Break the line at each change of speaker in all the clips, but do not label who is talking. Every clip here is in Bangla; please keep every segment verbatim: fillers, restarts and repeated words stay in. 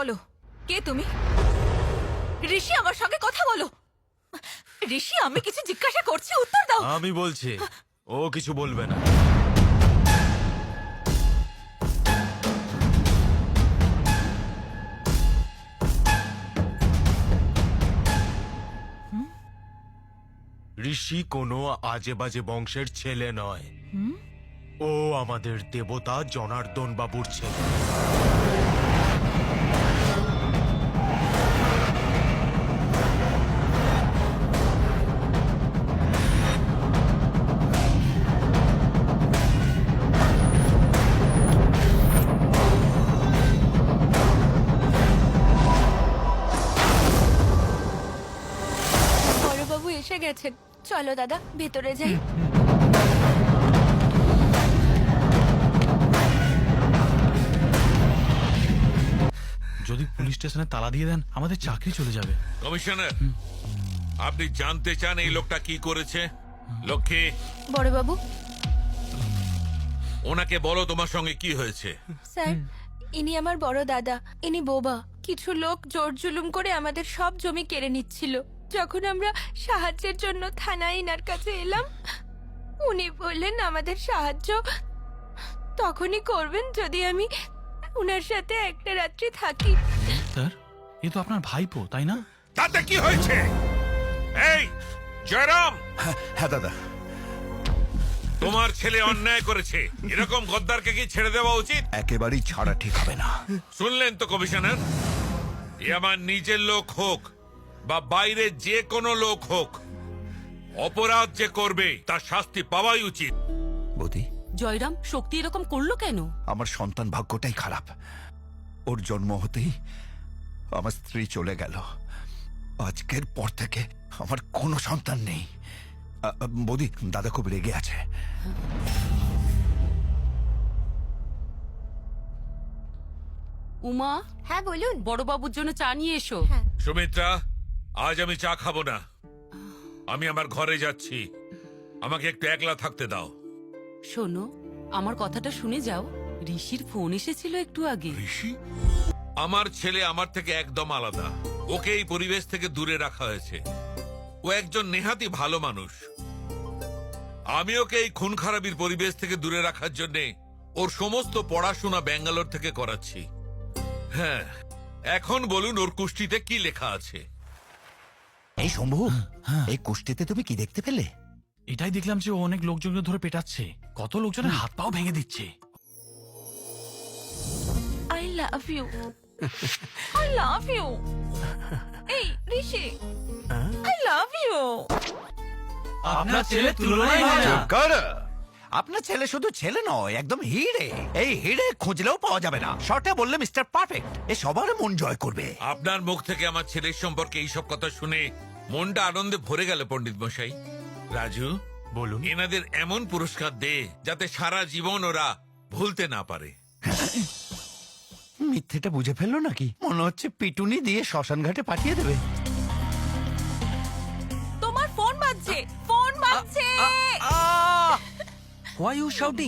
বলো, কে তুমি? ঋষি, আমার সঙ্গে কথা বলো। ঋষি, আমি কিছু জিজ্ঞাসা করছি, উত্তর দাও।
আমি বলছি, ও কিছু বলবে না। ঋষি কোনো আজে বাজে বংশের ছেলে নয়। ও আমাদের দেবতা জনার্দন বাবুর ছেলে।
বড়বাবু এসে গেছেন, চলো দাদা ভেতরে যাই।
যদি পুলিশ স্টেশনে তালা দিয়ে দেন আমাদের চাকরি চলে যাবে।
কমিশনার, আপনি জানতে চান এই লোকটা কি করেছে? লক্ষ্মী,
বড়বাবু,
ওনাকে বলো তোমার সঙ্গে কি হয়েছে।
স্যার, ইনি আমার বড় দাদা, ইনি বোবা। কিছু লোক জোর জুলুম করে আমাদের সব জমি কেড়ে নিচ্ছিল। যখন আমরা সাহায্যের জন্য থানায় ইনার কাছে এলাম, উনি বললেন আমাদের সাহায্য তখনই করবেন যদি আমি উনার সাথে একটা রাত্রি থাকি।
স্যার, এ তো আপনার ভাইপো, তাই না?
তাতে কি হয়েছে? এই জয়রাম,
হ্যাঁ দাদা,
তোমার ছেলে অন্যায় করেছে, এরকম গদ্দারকে কি ছেড়ে দেওয়া উচিত?
একেবারেই ছাড়া ঠিক হবে না।
শুনলেন তো কমিশনার, এ আমার নিজের লোক হোক বা বাইরে যে কোনো লোক হোক, অপরাধ যে করবে তার শাস্তি পাওয়াই উচিত।
বৌদি,
জয়রাম, শক্তি এরকম করলো কেন?
আমার সন্তান ভাগ্যটাই খারাপ। ওর জন্ম হতেই আমার স্ত্রী চলে গেল। আজকের পর থেকে আমার কোনো সন্তান নেই। আ, আ, বৌদি, দাদা খুব রেগে আছে।
উমা,
হ্যাঁ বলুন।
বড়বাবুর জন্য চা নিয়ে এসো।
হ্যাঁ।
সুমিত্রা, আজ আমি চা খাবো না, আমি আমার ঘরে যাচ্ছি। আমাকে একটু একলা থাকতে দাও।
শোনো, আমার কথাটা শুনে যাও। ঋষির ফোন এসেছিল একটু আগে।
ঋষি? আমার ছেলে আমার থেকে একদম আলাদা, ওকে এই পরিবেশ থেকে দূরে রাখা হয়েছে। ও একজন নেহাতি ভালো মানুষ। আমি ওকে এই খুন খারাপির পরিবেশ থেকে দূরে রাখার জন্য ওর সমস্ত পড়াশোনা ব্যাঙ্গালোর থেকে করাচ্ছি। হ্যাঁ, এখন বলুন ওর কুষ্টিতে কি লেখা আছে?
এই শম্ভু, এই কুষ্টিতে তুমি কি দেখতে পেলে?
এটাই দেখলাম যে ও অনেক লোকজনকে ধরে পেটাচ্ছে, কত লোকজনের হাত পাও ভেঙে দিচ্ছে।
I love you, I love you. এই ঋষি, আই লাভ ইউ।
আপনার ছেলে তুলনাই হয় না।
কারা? আপনার ছেলে শুধু ছেলে নয়, একদম হিরে। এই হিরে খুঁজলেও পাওয়া যাবে না। শর্টে বললে মিস্টার পারফেক্ট। এ সবার মন জয় করবে।
আপনার মুখ থেকে আমার ছেলের সম্পর্কে এইসব কথা শুনে মনটা আনন্দে ভরে গেল পণ্ডিত মশাই। রাজু,
বলুন।
এনাদের এমন পুরস্কার দে যাতে সারা জীবন ওরা ভুলতে না পারে।
মিথ্যেটা বুঝে ফেললো নাকি? মনে হচ্ছে পিটুনি দিয়ে শ্মশান ঘাটে পাঠিয়ে দেবে।
তোমার ফোন বাজছে, ফোন বাজছে।
Why are you shouting?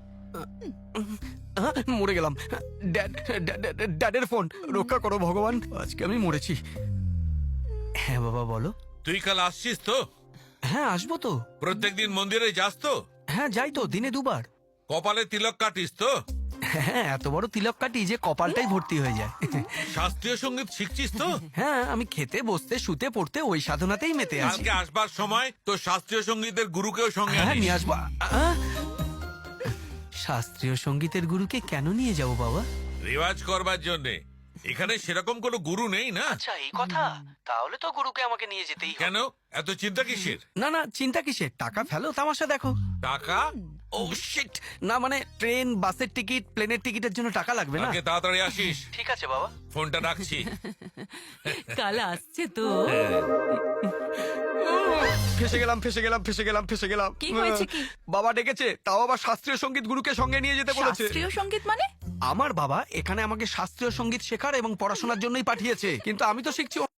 আহ, মরে গেলাম। ড্যাড, ড্যাডের ফোন। রক্ষা করো ভগবান, আজকে আমি মরেছি। হ্যাঁ বাবা বলো।
তুই কাল আসছিস তো?
হ্যাঁ আসবো তো।
প্রত্যেকদিন মন্দিরে যাস তো?
হ্যাঁ যাই তো, দিনে দুবার।
কপালে তিলক কাটিস তো?
হ্যাঁ, এত বড় তিলক কাটি যে কপালটাই ভর্তি হয়ে যায়।
শাস্ত্রীয় সঙ্গীত শিখছিস তো?
হ্যাঁ, আমি খেতে বসতে শুতে পড়তে ওই সাধনাতেই মেতে আছি।
কালকে আসবার সময় তো শাস্ত্রীয় সঙ্গীতের গুরুকেও সঙ্গে
হ্যাঁ
আনিস।
নিয়ে আসবো। আহ! শাস্ত্রীয় সঙ্গীতের গুরুকে কেন নিয়ে যাব বাবা?
রেওয়াজ করবার জন্য। এখানে সেরকম কোনো গুরু নেই না।
আচ্ছা এই কথা, তাহলে তো গুরুকে আমাকে নিয়ে যেতেই হবে।
কেন এত চিন্তা কিসের?
না না, চিন্তা কিসের? টাকা ফেলো, তামাশা দেখো।
টাকা?
ও শিট, না মানে ট্রেন, বাসের টিকিট, প্লেনের টিকিটের জন্য টাকা লাগবে না?
কালকে তাড়াতাড়ি আসিস।
ঠিক আছে বাবা।
ফোনটা রাখছি।
কাল আসছে তো।
ফেসে গেলাম ফেসে গেলাম ফেসে গেলাম ফেসে গেলাম।
কি হয়েছে কি?
বাবা ডেকেছে, তাও আবার শাস্ত্রীয় সঙ্গীত গুরুকে সঙ্গে নিয়ে যেতে বলেছে।
শাস্ত্রীয় সঙ্গীত মানে?
আমার বাবা এখানে আমাকে শাস্ত্রীয় সঙ্গীত শেখার এবং পড়াশোনার জন্যই পাঠিয়েছে, কিন্তু আমি তো শিখছি